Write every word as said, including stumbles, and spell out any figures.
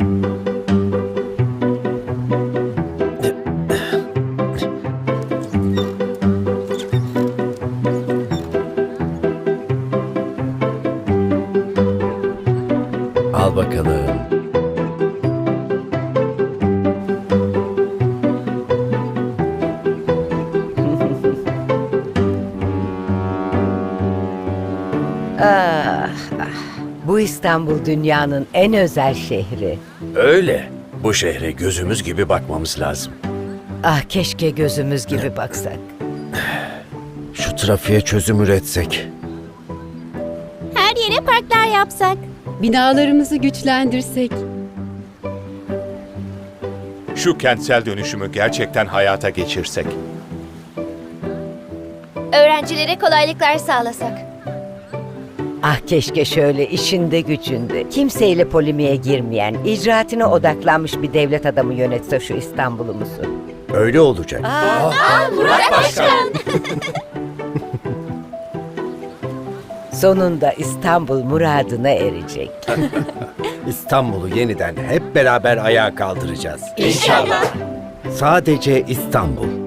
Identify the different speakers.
Speaker 1: Al bakalım.
Speaker 2: Ah, ah. Bu İstanbul dünyanın en özel şehri.
Speaker 1: Öyle. Bu şehre gözümüz gibi bakmamız lazım.
Speaker 2: Ah keşke gözümüz gibi baksak.
Speaker 1: Şu trafiğe çözüm üretsek.
Speaker 3: Her yere parklar yapsak.
Speaker 4: Binalarımızı güçlendirsek.
Speaker 5: Şu kentsel dönüşümü gerçekten hayata geçirsek.
Speaker 3: Öğrencilere kolaylıklar sağlasak.
Speaker 2: Ah keşke şöyle işinde gücünde, kimseyle polemiğe girmeyen, icraatine odaklanmış bir devlet adamı yönetse şu İstanbul'umuzu.
Speaker 1: Öyle olacak.
Speaker 3: Murat Başkan.
Speaker 2: Sonunda İstanbul muradına erecek.
Speaker 1: İstanbul'u yeniden hep beraber ayağa kaldıracağız.
Speaker 3: İnşallah.
Speaker 1: Sadece İstanbul.